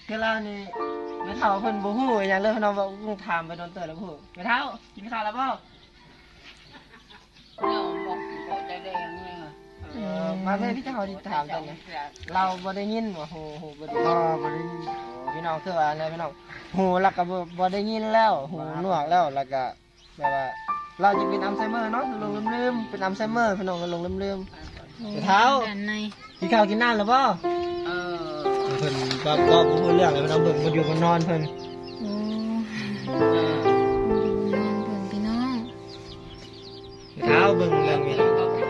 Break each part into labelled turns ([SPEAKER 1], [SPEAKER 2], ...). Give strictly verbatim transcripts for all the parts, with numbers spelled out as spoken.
[SPEAKER 1] คือเรานี่ไม่เท่าเพิ่นบ่ฮู้อหยังเลยเพิ่นเอาว่าลุงถามไปโดนเตือนแล้วบ่ฮู้ไม่เท่ากินข้าวแล้วบ่
[SPEAKER 2] เราบอกบอกจะได้ยังไง
[SPEAKER 1] เออมาเพิ่นพี่เจ้าที่ถามจังไงเราบ่ได้ยินว่าฮู้ฮู้บ่ได้
[SPEAKER 3] บ่บ่ได้ยิน
[SPEAKER 1] พี่น้องคือว่าอะไรพี่น้องหูแล้วก็บ่บ่ได้ยินแล้วหูหนวกแล้วแล้วก็แบบว่าเราจะเป็นอัลไซเมอร์เนาะลงลืมๆเป็นอัลไซเมอร์พี่น้องก็ลงลืมๆเท้ากินข้าวกินน้ำแล้วบ่
[SPEAKER 2] เออ
[SPEAKER 1] เพิ่นก็ก็บ่ฮู้เรื่องเลยพี่น้องเบิ่งบ่อยู่บ่นอนเพิ่น
[SPEAKER 4] โอ้นอนเบิ่งพี่น้อง
[SPEAKER 1] เท้าเบิ่งเรื่องนี้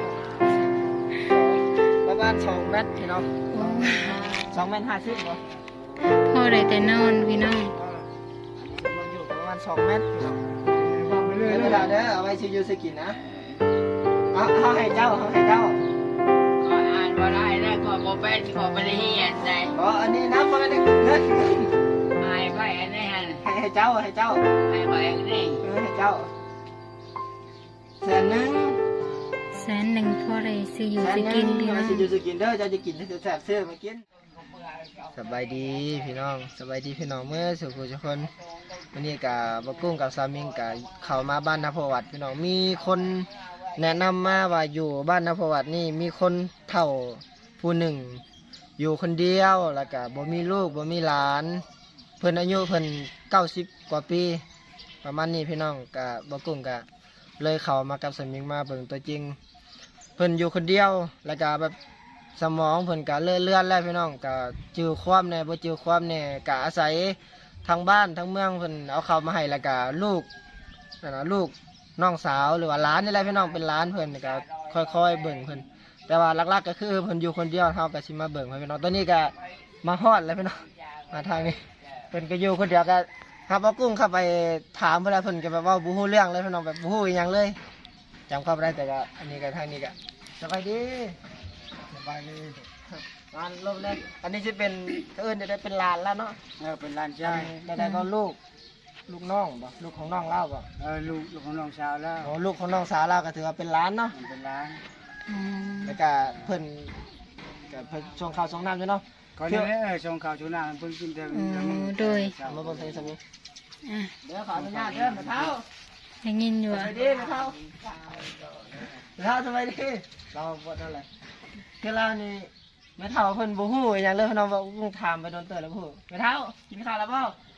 [SPEAKER 1] ประมาณสองเมตรพี่น้อง
[SPEAKER 4] โอ้
[SPEAKER 1] สองเมตรห้าสิบบ่
[SPEAKER 4] พ่อได้แต่นอนพี่น้อง
[SPEAKER 1] มันอยู่ประมาณสองเมตรพี่น้อง
[SPEAKER 3] บอกไปเรื่อย
[SPEAKER 1] เว
[SPEAKER 3] เลย
[SPEAKER 1] ลาเด้อเอาไว้สิอยู่สิกินนะเอาเฮาให้เจ้าเฮาให้เจ้า
[SPEAKER 2] ก็อ่านว่าได้แล้วก็บอกเป็นก็ไม่ได้เฮียนใจ
[SPEAKER 1] อ๋ออันนี้นะบ่ได้เงิน
[SPEAKER 2] หายไปอันนี้ฮะ
[SPEAKER 1] ให้ให้เจ้าให้เจ้า
[SPEAKER 2] หายไปอันนี้
[SPEAKER 1] เออให้เจ้าแสนหนึ่ง
[SPEAKER 4] แสนหนึ่งพ่อได้ซื้ออยู่
[SPEAKER 1] แสน
[SPEAKER 4] ซื้อ
[SPEAKER 1] ห
[SPEAKER 4] กิ
[SPEAKER 1] นึ่
[SPEAKER 4] น
[SPEAKER 1] ง
[SPEAKER 4] พี่น้
[SPEAKER 1] มา
[SPEAKER 4] อง
[SPEAKER 1] สิอยู่สิกินเด้อเจ้าจะกินให้แซ่บๆซื้อมากินสบายดีพี่น้องสบายดีพี่น้องเมื่อสุขทุกคนวันนี้กับบกุ้งกับสามิงกับเข้ามาบ้านนภวัตพี่น้องมีคนแนะนำมาว่าอยู่บ้านนภวัตนี่มีคนเฒ่าผู้หนึ่ง อยู่คนเดียวแล้วก็บ่มีลูกบ่มีหลาน เพิ่นอายุเพิ่นเก้าสิบกว่าปีประมาณนี้พี่น้องกับบกุ้งกับเลยเข้ามากับสามิงมาเบิ่งตัวจริง เพิ่นอยู่คนเดียวแล้วก็แบบสมองเพิ่นก็เลื่อนเลื่อนแล้วพี่น้องก็จือความแน่บ่จือความแน่ก็อาศัยทางบ้านทางเมืองเพิ่นเอาเข้าวมาให้แล้วก็ลูกนั่นน่ะลูกน้องสาวหรือว่าหลานนี่แหละพี่น้องเป็นหลานเพิ่นก็ค่อยๆเบิ่งเพิ่นแต่ว่าหลักๆก็คือเพิ่นอยู่คนเดียวเฮาก็สิมาเบิ่งให้พี่น้องตอนนี้ก็มาฮอดแล้วพี่น้องมาทางนี้เพิ่นก็อยู่คนเดียวก็ครับเอากุ้งเข้าไปถามเพิ่นแล้วเพิ่นก็แบบว่าบ่ฮู้เรื่องเลยพี่น้องแบบบ่ฮู้อีหยังเลยจำเข้าบ่ได้แต่ก็อันนี้ก็ทางนี้ก็สบายดี
[SPEAKER 3] สบายดี
[SPEAKER 1] งานรอบแรกอันนี้จะเป็นเอิ้นจะได้เป็นหลานแล้วเนาะ
[SPEAKER 3] เออเป็นหลาน
[SPEAKER 1] ใช่
[SPEAKER 3] ชาย
[SPEAKER 1] ได้ได้ก็ลูก ลูกน้องบ่ลูกของน้องเล่าบ่
[SPEAKER 3] เออลูกลูกของน้องสาวแล้ว
[SPEAKER 1] โอ้ลูกของน้องสาวเล่าก็ถือว่าเป็นหลานเนาะ
[SPEAKER 3] มันเป็นหลาน
[SPEAKER 4] อืม
[SPEAKER 1] แล้วก็เพิ่นก็เพิ่นส่งข้าวส่งน้ำอยู่เนาะ
[SPEAKER 3] ก่อนนี้เออส่งข่าวชูหน้าเพิ่งกินแต่
[SPEAKER 4] โอ้โดย
[SPEAKER 1] เอามาเบิ่งใส่สมิ
[SPEAKER 4] อ่ะ
[SPEAKER 1] เดี๋ยวขออนุญาตเด้อมาเท้า
[SPEAKER 4] ได้ยินอยู่
[SPEAKER 1] ส
[SPEAKER 4] อ่ะ
[SPEAKER 1] บายดีมาเท้ามาเท้าสบายดีเราบ่นั่นแหละคือเรานี่แม่เฒ่าเพิ่นบ่ฮู้อีหยังเลยเพิ่นเอาว่าลุงถามไปโดนเตือนแล้วบ่ฮู้แม่เฒ่ากินข้าวแล้วบ่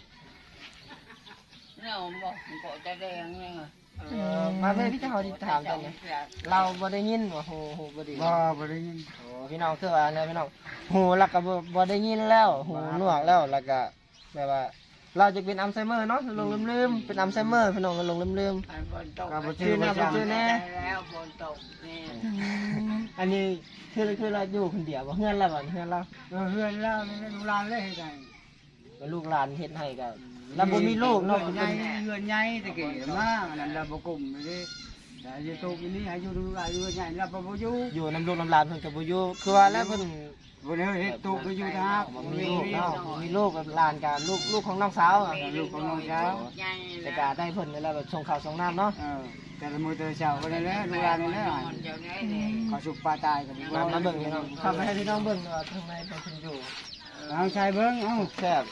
[SPEAKER 2] เราบอกบอกจะได้ยังไง
[SPEAKER 1] เออมาเพิ่นพี่เจ้าที่ถามจังไงเราบ่ได้ยินว่าฮู้ฮู้บ่ดี
[SPEAKER 3] บ่บ่ได้ยิน
[SPEAKER 1] โอ้พี่น้องคือว่าอะไรพี่น้องหูแล้วก็บ่บ่ได้ยินแล้วหูหนวกแล้วแล้วก็แบบว่า เราจะเป็นอัลไซเมอร์เนาะลงลืมๆเป็นอัลไซเมอร์พี่น้องก็ลงลืม
[SPEAKER 2] ฝนตก
[SPEAKER 3] ก็บ่ชื่อ
[SPEAKER 1] ชื่อ
[SPEAKER 3] บ่
[SPEAKER 1] นะบ่
[SPEAKER 3] จำ
[SPEAKER 1] ชื่อแน่
[SPEAKER 2] แล้วฝนตกนี่
[SPEAKER 4] อืม
[SPEAKER 1] ๆอันนี้คือคือเราอยู่คนเดียวบ่เฮือนเราบ่เฮือนเรา
[SPEAKER 3] เออเฮือนแล้วนี่ลูกหลานเลยให้ได้
[SPEAKER 1] ก็ลูกหลานเฮ็ดให้ก็แล้วบ่มีลูกเนาะ
[SPEAKER 3] เฮือนใหญ่เฮือนใหญ่ตะกี้มาอันนั้นเราบ่กลุ่มเลยแต่อยู่ตรงนี้ให้อยู่ลูกหลานอยู่ใหญ่เราบ่บ่อยู่
[SPEAKER 1] อยู่นำลูกนำหลานเพิ่นก็บ่อยู่คือว่าแล้วเพิ่น
[SPEAKER 3] บ่ได้เฮ็ดตุกก็อยู่ทาง
[SPEAKER 1] บ่มีลูกเนาะบ่มีลูกแบบหลานก็ลูกลูกของน้องสาวอะ
[SPEAKER 3] ลูกของน้องสาว
[SPEAKER 2] ใหญ่
[SPEAKER 1] แต่ก็ได้เพิ่นนี่แหละแบบส่งข้าวส่งน้ำเนาะ
[SPEAKER 3] เออแต่ละมื้อแต่ละเช้าก็ได้แล้วลูกหลานนี่แหละ
[SPEAKER 2] เจ้าได้เลย
[SPEAKER 3] ขอสุกปลาตายก็ดีก
[SPEAKER 1] มา
[SPEAKER 3] ว่า
[SPEAKER 1] มาเบิ่งพี่น้องเข้าไปให้พี่น้องเบิ่งว่าข้างในเป็นคนอยู่
[SPEAKER 3] เอาชายเบิ่งเอ้า
[SPEAKER 1] แซ่บ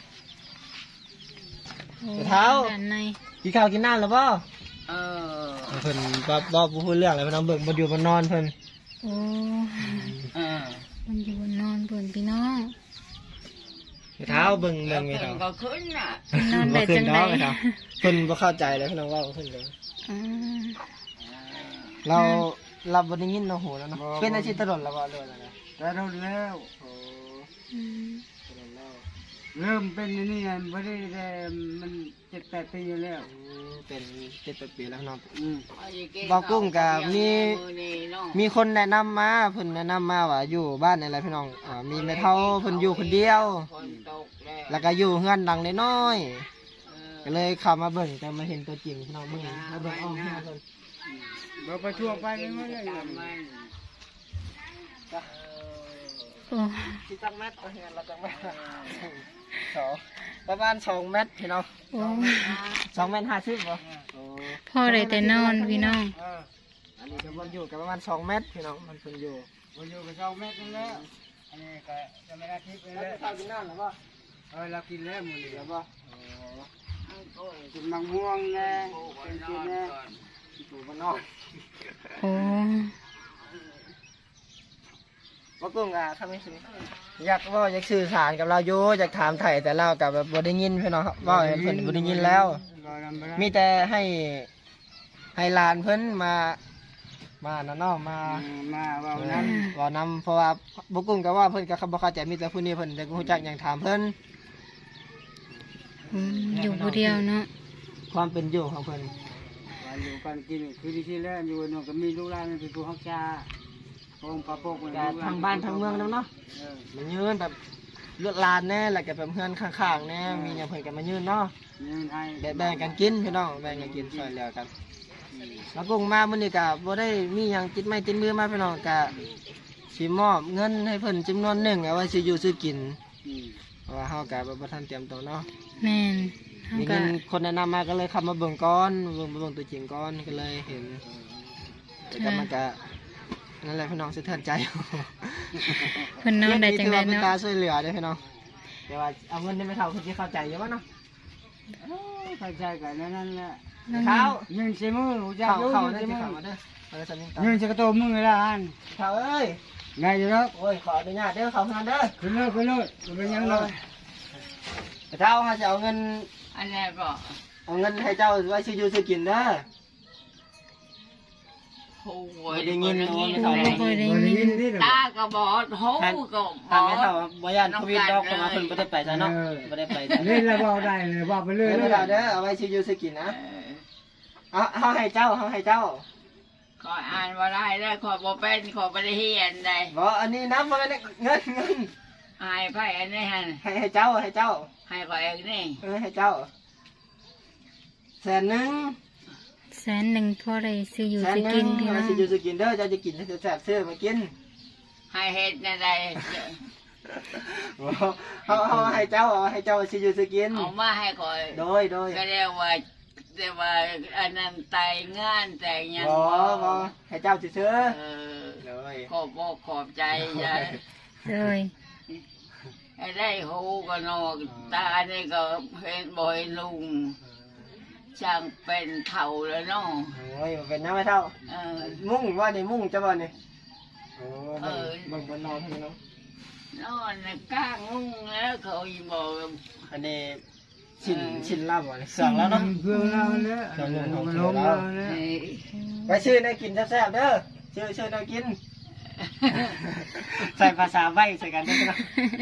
[SPEAKER 4] โอ้
[SPEAKER 1] เท้า
[SPEAKER 4] ด้านใน
[SPEAKER 1] กินข้าวกินน้ำแล้วบ่
[SPEAKER 2] เออ
[SPEAKER 1] เพิ่นบ่บ่บ่พูดเรื่องอะไรเพิ่นเอาเบิ่งบ่อยู่บ่นอนเพิ่น
[SPEAKER 4] โอ้
[SPEAKER 2] เออ
[SPEAKER 4] มันอยู่บนนอนบนพี่น้อง
[SPEAKER 1] เท้าเบิ่งเบิ่งไม่เท้า
[SPEAKER 2] ก็ขึ้นน่ะ
[SPEAKER 4] นอนได้จังได๋
[SPEAKER 1] เท้าเพิ่นบ่เข้าใจเลยเพิ่นว่าเพิ่นเลย
[SPEAKER 4] อืม
[SPEAKER 1] เราเราบ่ได้ยินเนาะหูแล้วเนาะเป็นอาชีพตลอดแล้วบ่เรื่องอะไร
[SPEAKER 3] แต่เราแล้ว
[SPEAKER 1] โอ้
[SPEAKER 4] อืม
[SPEAKER 1] ตลอดแล้ว
[SPEAKER 3] เริ่มเป็นอันนี่ไม่ได้แต่มันเจ็ดแปดปีแล้ว
[SPEAKER 1] อืมเป็นเจ็ดแปดปีแล้วเนาะ
[SPEAKER 3] อืม
[SPEAKER 1] มีคนแนะนำมาเพิ่นแนะนำมาว่าอยู่บ้านอะไรพี่น้องอ่ามีแม่เฒ่าเพิ่นอยู่คนเดียว แล้วก็อยู่เฮือนหลังน้อยๆก็เลยเข้ามาเบิ่งแต่มาเห็นตัวจริงพี่น้องเบิ่งมาเบิ่งเอาเฮือนเพิ่น
[SPEAKER 3] เราไปทั่วไปไม่ไม่ได้
[SPEAKER 4] โอ้
[SPEAKER 1] สิจักเมตรตัวเฮือนเราจักเมตรสองประมาณสองเมตรพี่น้อง
[SPEAKER 4] โอ้
[SPEAKER 1] สองเมตรห้าสิบบ่โอ้
[SPEAKER 4] พ่อได้แต่นอนพี่น้อง
[SPEAKER 3] เออ
[SPEAKER 1] อันนี้ก็มันอยู่กับประมาณสองเมตรพี่น้องมันเพิ่นอยู่
[SPEAKER 3] วันอยู่กับสองเมตรนึงแล้วอันนี้ก็จะไม่ได้ทิพย์เลย
[SPEAKER 1] แล้วข้าวกินน้ำหรือเปล่า
[SPEAKER 3] เออเรากินแล้วมื้อนี้
[SPEAKER 1] เดี๋ยวบ่
[SPEAKER 3] กินมะม่วงแน่เป็นกินแน่
[SPEAKER 1] อยู่บ้านนอก
[SPEAKER 4] โอ้
[SPEAKER 1] บ่กุ้งอ่ะทำให้สิอยากเว่าอยากสื่อสารกับเราอยู่อยากถามไถ่แต่เรากับแบบบ่ได้ยินพี่น้องครับเว่าให้เพิ่นบ่ได้ยินแล้ว
[SPEAKER 3] รอลำบาก
[SPEAKER 1] มีแต่ให้ให้หลานเพิ่นมามานั่นเนาะมา
[SPEAKER 3] มาเว้า
[SPEAKER 1] เออ
[SPEAKER 3] นั้น
[SPEAKER 1] เว้านำเพราะว่าบ่กุ้งก็ว่าเพิ่นก็บ่เข้าใจมีแต่ผู้นี้เพิ่นแต่ก็รู้จักหยังถามเพิ่น
[SPEAKER 4] อืมอยู่ผู้เดียวเนาะ
[SPEAKER 1] ความเป็นอยู่ของเพิ่น
[SPEAKER 3] ว่าอยู่กันกินคือที่แล้วอยู่เนาะก็มีลูกหลานเป็นผู้ฮักษาโป่งปลาโป่ง
[SPEAKER 1] ก็ทางบ้านทางเมืองนำเนาะ
[SPEAKER 3] เออ
[SPEAKER 1] มันยืนแบบเลือดลานแน่แล้วก็แบบเพื่อนข้างๆแน่มีหยังเพิ่นก็มายืนเนาะ
[SPEAKER 3] เงินให้
[SPEAKER 1] แบ่งแบ่งกันกินพี่น้องแบ่งกันกินช่วยเหลือกันแล้วกุ้งมามื้อนี้ก็บ่ได้มีหยังติดไม้ติดมือมาพี่น้องก็สิมอบเงินให้เพิ่นจำนวนหนึ่งเอาไว้ซื้ออยู่ซื้อกิน
[SPEAKER 3] อืม
[SPEAKER 1] เพราะว่าเฮาก็บ่ทันเตรียมตัวเนาะ
[SPEAKER 4] แม่นเฮา
[SPEAKER 1] มี
[SPEAKER 4] ก็
[SPEAKER 1] เงินคนแนะนำมาก็เลยเข้ามาเบิ่งก่อนเบิ่งมาเบิ่งตัวจริงก่อนก็เลยเห็นแต่ก็มันก็นั่นแหละพี่น้องสะเทือนใจ
[SPEAKER 4] เพิ่นนอนได้จังได๋
[SPEAKER 1] เป็น
[SPEAKER 4] เนาะ
[SPEAKER 1] ตาช่วยเหลือเด้อพี่น้องแต่ว่าเอาเงินได้ไม่เท่าคนที่เข้าใจอยู่บ่เนาะ
[SPEAKER 3] เข้าใจกันนั่นแหละ
[SPEAKER 1] เท้า
[SPEAKER 3] เงินใช้มือรู้จัก
[SPEAKER 1] เข้า
[SPEAKER 3] อยู่
[SPEAKER 1] เข้า
[SPEAKER 3] เงิน
[SPEAKER 1] ได้
[SPEAKER 3] ใช้
[SPEAKER 1] ที่
[SPEAKER 3] มือ
[SPEAKER 1] เข้ามาเด้อเอาไปสมิงต่อ
[SPEAKER 3] เงินจะกระโตมมือละอัน
[SPEAKER 1] เท้าเอ้ย
[SPEAKER 3] ไงอยู่แล้ว
[SPEAKER 1] โอ้ยขออนุญาตเด้อเข้าเงินเด้อ
[SPEAKER 3] ขึ้นเลยขึ้นเลยเป็นยังไง
[SPEAKER 1] เท้าเขาจะเอาเงิน
[SPEAKER 2] อันนี้ก็
[SPEAKER 1] เอาเงินให้เจ้าไว้ซื้ออยู่ซื้อกินเด้อ
[SPEAKER 2] โอ้ย
[SPEAKER 1] บ่ได้ยิน
[SPEAKER 2] บ่
[SPEAKER 1] บ่
[SPEAKER 2] ได้
[SPEAKER 1] ได้
[SPEAKER 2] ยิน
[SPEAKER 1] ยิน
[SPEAKER 4] บ่ได้ยิน
[SPEAKER 3] นี่
[SPEAKER 2] ตาก็บอดหูก็บ
[SPEAKER 1] ถ้า
[SPEAKER 2] อ
[SPEAKER 1] ไม่
[SPEAKER 2] ด
[SPEAKER 1] เท่าบ่ย่านโควิดดอกเข้ามาเพิ่นบ่ได้ไปซะเนาะบ่ได้ไปจ้ะ
[SPEAKER 3] เล่นแล้วบอกได้เลยบอกไปเรื่อย
[SPEAKER 1] เงิน
[SPEAKER 3] เล
[SPEAKER 1] ไม่
[SPEAKER 3] ย
[SPEAKER 1] เท่าเด้อเอาไว้ซื้ออยู่ซื้อกิน
[SPEAKER 2] เอ
[SPEAKER 1] นะ
[SPEAKER 2] อ
[SPEAKER 1] เอาเอาให้เจ้าเอาให้เจ้า
[SPEAKER 2] ขออ่านว่าได้แล้วขอบ่เป็นขอบ่ได้เฮียนได้
[SPEAKER 1] บ่อันนี้นะบ่แม่นเงินเงิน
[SPEAKER 2] หายไปอันนี้หั่น
[SPEAKER 1] ให้ให้เจ้าให้เจ้า
[SPEAKER 2] ให้ขอเองนี่
[SPEAKER 1] เออให้เจ้าแสนหนึง
[SPEAKER 4] แสนหนึ่งพอได้ซื้ออยู่
[SPEAKER 1] แสน
[SPEAKER 4] ซื้อ
[SPEAKER 1] หนึ
[SPEAKER 4] กิ
[SPEAKER 1] ง
[SPEAKER 4] นพี่
[SPEAKER 1] เอา
[SPEAKER 4] น้
[SPEAKER 1] ไว้
[SPEAKER 4] อง
[SPEAKER 1] ซื้ออยู่ซื้อกินเด้อเจ้าจะกินให้แซ่บๆซื้อมากิน
[SPEAKER 2] ให้เฮ็ดนั่นได้
[SPEAKER 1] บ่เฮาเฮาให้เจ้าเอาให้เจ้าซื้ออยู่ซื้อกิน
[SPEAKER 2] เอามาให้ขอย
[SPEAKER 1] โดยโดย
[SPEAKER 2] ก็เรียกว่าเรียกว่าอันนั้นไตงานแต่งยัง
[SPEAKER 1] บ่บ่ให้เจ้าซื้อ
[SPEAKER 2] เออ
[SPEAKER 1] ๆโดย
[SPEAKER 2] ขอบอกขอบใจยาย
[SPEAKER 4] เลย
[SPEAKER 2] ให้ได้หูก็นอกตานี่ก็เห็นบ่อยลุงช่างเป็นเท่าแล้วเนาะ
[SPEAKER 1] โอ้ยบ่เป็นหยังไม่เท่า
[SPEAKER 2] เออ
[SPEAKER 1] มุ่งว่านี่มุ่งจะบ่นี่โอ้
[SPEAKER 2] เอ
[SPEAKER 1] เบิ่ง
[SPEAKER 2] อ
[SPEAKER 1] เบิ่งบนนอนพี่น้อง
[SPEAKER 2] นอนน่ะก้างงุ้งแล้วเขาอีบอก
[SPEAKER 1] อันนี้ชินชินลาบบ่นี่เสืองแล้วเนาะ
[SPEAKER 3] เพื่อนเราเนี่ยมันลงเราเนี่ย
[SPEAKER 2] เอ้ย
[SPEAKER 1] ไปชื่อได้กินแซ่บๆเด้อชื่อชื่อได้กิน ใส่ภาษาใบ้ใส่กันเด้อพี่น้อง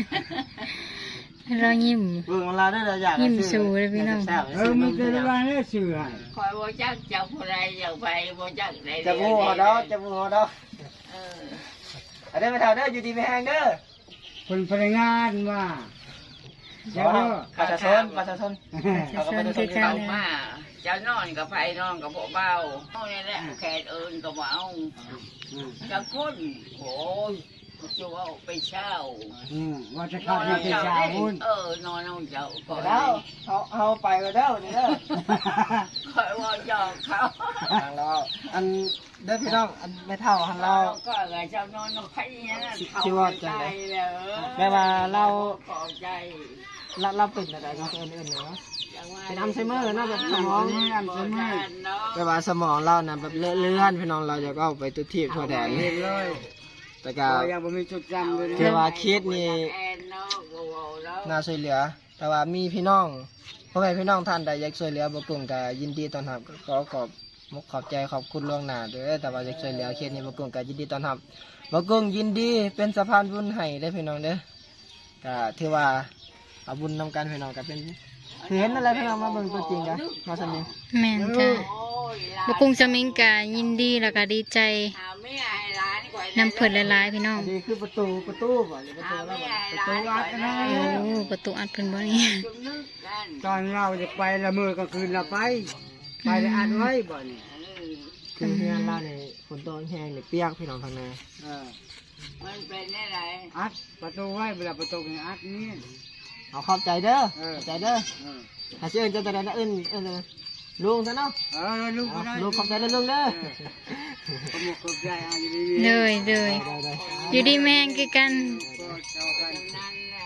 [SPEAKER 4] เรายิ้ม
[SPEAKER 1] เบิ่งเวลาได้เราอยาก
[SPEAKER 4] ยิ้มสู่เลยพี่น้อง
[SPEAKER 1] แซ่บๆ
[SPEAKER 3] เออมันจะได้ว่าเนี่ยสื่อให้
[SPEAKER 2] คอยบ่จักเจ้าผู้ใดอยากไปบ่จักใด
[SPEAKER 1] จะบูหัวดอกจะบูหัวดอก
[SPEAKER 2] เออ
[SPEAKER 1] อันนี้ไปเท่าเด้ออยู่ดีไปแห้งเด้อ
[SPEAKER 3] คนพนักงานว่า
[SPEAKER 1] เดี๋ยวประชาชนประชาชนเอาก็ไปดูที่
[SPEAKER 2] เข้า
[SPEAKER 1] เขา
[SPEAKER 2] มาเจ้านอนกับไผนอนกับพวกเบาเอานี่แหละแขกเอิญก็บ่เอาจักคนโอ้ยจะว่าไปเช่า
[SPEAKER 3] อืมว่าจะ
[SPEAKER 2] น
[SPEAKER 3] เข้า
[SPEAKER 2] อน
[SPEAKER 3] ที่
[SPEAKER 2] เอา
[SPEAKER 3] เป็น
[SPEAKER 2] เจ้า
[SPEAKER 3] ชาว
[SPEAKER 2] ได้
[SPEAKER 3] หุ้น
[SPEAKER 2] เออนอนเอาเจ้าก่อน
[SPEAKER 1] เด้อเขาเอาไปก็เด้อนี่เด้อ
[SPEAKER 2] คอยว่าหยอกเขา
[SPEAKER 1] ทางเราอันเด้อพี่น้องอันไม่เท่าทางเรา
[SPEAKER 2] ก็ไงเจ้านอนกับไผเนี่ยนะ
[SPEAKER 1] ชื่อว่าจัง
[SPEAKER 2] ใจ
[SPEAKER 1] ได๋
[SPEAKER 2] แล้ว
[SPEAKER 1] แม่ว่าเรา
[SPEAKER 2] ขอบใจ
[SPEAKER 1] เราเราเป็นอะไรเนาะเอื่นๆเนาะ เป็นอัลไซเมอร์นะแบบสมอง
[SPEAKER 3] อัลไซเมอร์
[SPEAKER 1] แม่ว่าสมองเรานะแบบเลื่อนพี่น้องเราจะก็เอาไปตุทีบทั่วแดน
[SPEAKER 3] เห็นเลย
[SPEAKER 1] แต่ก็
[SPEAKER 3] ก็ยังบ่มีจุดจำเลย
[SPEAKER 1] เทว่าคิดนี่
[SPEAKER 2] แอนเนาะกูเอาแล้ว
[SPEAKER 1] น่าช่วยเหลือ แต่ว่ามีพี่น้องพ่อแม่พี่น้องท่านใดอยากช่วยเหลือบ่กลุ่มก็ยินดีต้อนรับก็ขอขอบมุกขอบใจขอบคุณล่วงหน้าเด้อแต่ว่าอยากช่วยเหลือเคสนี้บ่กลุ่มก็ยินดีต้อนรับบ่กลุ่มยินดีเป็นสะพานบุญให้ได้อพี่น้องเด้อก็ถือว่าเอาบุญนำกันพี่น้องก็เป็นคือเห็นอะไรพี่น้องมาเบิ่งตัวจริงกันมาสมิง
[SPEAKER 4] แม่นจ้ะ
[SPEAKER 2] โอ้ยหลาน
[SPEAKER 4] บกุ้งสมิงกะยินดีแล้วก็ดีใจ
[SPEAKER 2] หาไม่ให้หลานก่อน
[SPEAKER 4] นำเพิ่นหลายๆพี่น้อง
[SPEAKER 1] อันนี้คือประตูประตูบ่หรือประตู
[SPEAKER 2] หา
[SPEAKER 1] แล้ว
[SPEAKER 2] ไม่
[SPEAKER 1] บ่
[SPEAKER 2] ให้หลานก่อนนะ
[SPEAKER 4] โอ้ประตูอัดเพิ่นบ่นี่
[SPEAKER 2] จุ่มนึกกัน
[SPEAKER 3] ตอนเราจะไปละเมอก็คืนเราไป ไปได้อัดไว้บ่นี่
[SPEAKER 2] เออ
[SPEAKER 1] คือเพื่อนเราเนี่ยฝนตกแห้งเนี่ยเปียกพี่น้องทางใน
[SPEAKER 3] เออ
[SPEAKER 2] มันเป็นอะไร
[SPEAKER 3] อัดประตูไว้เวลาประตูนี่อัดนี่
[SPEAKER 1] เอาขอบใจเด้อ
[SPEAKER 3] เออ
[SPEAKER 1] ขอบใจเด้อ
[SPEAKER 3] เออ
[SPEAKER 1] ถ้าชื่อเจะแต่ละอื่นเอื่นลุงซะเนาะ
[SPEAKER 3] เออลูกก็
[SPEAKER 1] เอา
[SPEAKER 3] ได้
[SPEAKER 1] ลุงขอบใจเด้อลุงเด้อ
[SPEAKER 3] ขโมยขอบใจอ่ะอยู่ดี
[SPEAKER 4] เลยเลย
[SPEAKER 1] ได้ได้
[SPEAKER 4] อยู่ดีแม่งคือกัน
[SPEAKER 3] ก็เจ้ากัน
[SPEAKER 2] นั่นแหละ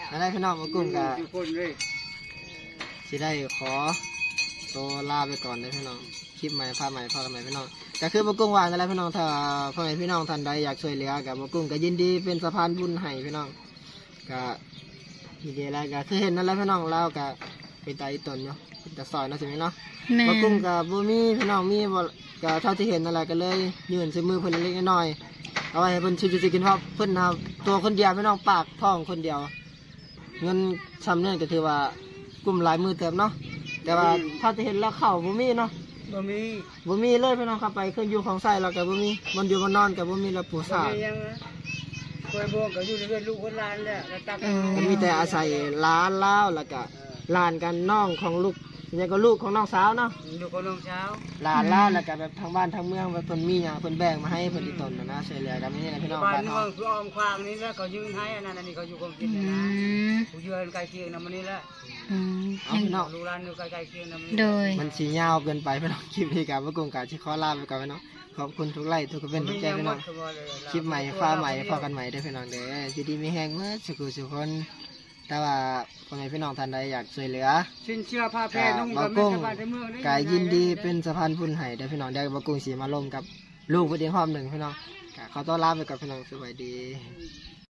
[SPEAKER 1] อะไรพี่น้องมากุ้งกะ
[SPEAKER 3] ทุกคนเลย
[SPEAKER 1] สิได้ขอตัวลาไปก่อนเลยพี่น้องคลิปใหม่ภาพใหม่พอกันใหม่พี่น้องก็คือมากุ้งวางกันแล้วพี่น้องถ้าพ่อแม่พี่น้องท่านใดอยากช่วยเหลือกับมากุ้งก็ยินดีเป็นสะพานบุญให้พี่น้องก็ยินดีแล้วก็คือเห็นนั่นแหละพี่น้องเราก็เป็นตาอีตนเนาะเป็นตาซอยเนาะใช่ไหมเนาะ
[SPEAKER 4] แม่
[SPEAKER 1] มากุ้งกับบูมีพี่น้องมีบ่ก็เท่าที่เห็นนั่นแหละก็เลยยื่นใส่มือเพิ่นเล็กๆน้อยๆเอาไว้ให้เพิ่นซื้อจะกินเพราะเพิ่นเอาตัวคนเดียวพี่น้องปากท้องคนเดียว เงินซ้ำเนี่ยก็ถือว่ากลุ่มหลายมือเติมเนาะแต่ว่าเท่าที่เห็นแล้วเข่าบูมีเนาะ
[SPEAKER 3] บ่มี
[SPEAKER 1] บูมีเลยพี่น้องครับไปเครื่องอยู่ของใส่เรากับบูมีมันอยู่มันนอนกับบูมีแล้วปู
[SPEAKER 3] บ่
[SPEAKER 1] สา
[SPEAKER 3] มียังนะคอยบ่ก็อยู่ในเรือนลูกคนหลานแหละแล้วตัก
[SPEAKER 1] มันมีแต่อาศัยร้านเล้าวแล้วก็หลานกันน้องของลูกเนี่ยก็ลูกของน้องสาวเนาะ
[SPEAKER 3] ลูกคนน้องเช้า
[SPEAKER 1] หลานเล้าวแล้วก็แบบทางบ้านทางเมืองแบบเพิ่นมีอย่างเพิ่นแบ่งมาให้เพิ่นที่ตนนะนะช่วยเหลือกันนี่นะพี่น้อง
[SPEAKER 3] บ้าน
[SPEAKER 1] บ้าน
[SPEAKER 3] เมื
[SPEAKER 1] เฮา
[SPEAKER 3] องคืออ้อมควางนี่แล้วก็ยืนให้อันนั้นอันนี้เขาอยู่ของกิ
[SPEAKER 4] อื
[SPEAKER 3] นนะ
[SPEAKER 4] ม
[SPEAKER 3] ผู้ยืนใกล้เคียงนำมันนี่แหละ
[SPEAKER 4] อืม
[SPEAKER 1] เอาพี่น้อง
[SPEAKER 3] ลูกหลานอยู่ใกล้ๆเคียงนำมัน
[SPEAKER 4] โดย
[SPEAKER 1] มันสียาวเกินไปพี่น้องคลิปนี้กับว่ากงกาชิขอลาไปก่อนพี่น้องขอบคุณทุกไลค์ทุกคอมเมนต์ทุกใจพี่น้องคลิปใหม่ฟ้าใหม่พอกันใหม่เด้อพี่น้องเด้ออยู่ดีมีแห้งเมื่อสุขสุขคนแต่ว่าพ่อแม่พี่น้องท่านใดอยากช่วยเหลือ
[SPEAKER 3] สิ้นเชื่อผ้าแพร่นุ่ง
[SPEAKER 1] บ่
[SPEAKER 3] กับ
[SPEAKER 1] ก
[SPEAKER 3] แม่
[SPEAKER 1] ง
[SPEAKER 3] ชาวบ้านในเมืองได้
[SPEAKER 1] กายยินดีเป็นสะพานบุญให้เด้อพี่น้องเด้อบ่กงสีมาลงกับลูกเพิ่นเองพร้อมหนึ่งพี่น้องก็ขอต้อนรับไปกับพี่น้องสวัสดี
[SPEAKER 3] อ